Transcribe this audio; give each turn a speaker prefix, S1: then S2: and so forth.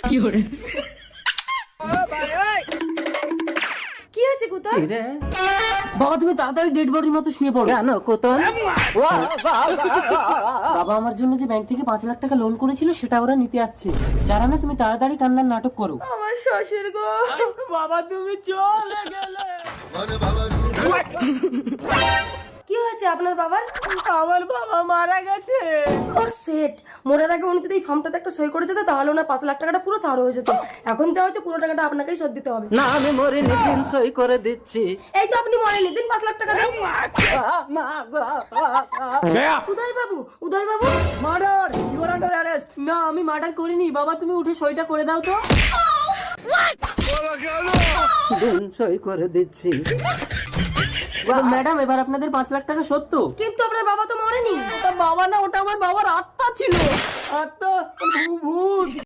S1: কি হয়েছে কোথায়?
S2: বাবা তুমি তাড়াতাড়ি ডেড বডির মতো শুয়ে পড়ো। কেন কোতন? বাবা আমার জন্য যে ব্যাংক থেকে 5 লাখ টাকা লোন করেছিল সেটা ওরা নিতে আসছে। যারা না তুমি তাড়াতাড়ি কান্নার নাটক করো।
S1: আমার শ্বশুর গো,
S2: বাবা তুমি চলে গেলে।
S1: কি হয়েছে আপনার বাবার?
S2: আমার বাবা মারা গেছে।
S1: ও সেট, মরার আগে উনি যদি এই ফর্মটাতে একটা সই করে যেত তাহলে ওনার 5 লাখ টাকাটা পুরো ছাড় হয়ে যেত। এখন যা হচ্ছে পুরো টাকাটা আপনাকেই শোধ দিতে হবে।
S2: না আমি মরিনি, দিন সই করে দিচ্ছি।
S1: এই তো আপনি মরেননি, দিন 5 লাখ টাকা দেন। উদয় Babu, Uday Babu,
S2: murder, you are under arrest. না আমি মার্ডার করিনি। বাবা তুমি উঠে সইটা করে দাও তো। দিন সই করে দিচ্ছি। ম্যাডাম এবার আপনাদের 5 লাখ টাকা সত্য।
S1: কিন্তু আপনার বাবা তো মরেনি।
S2: বাবা না, ওটা আমার বাবার আত্মা ছিল। আত্মা ভূত।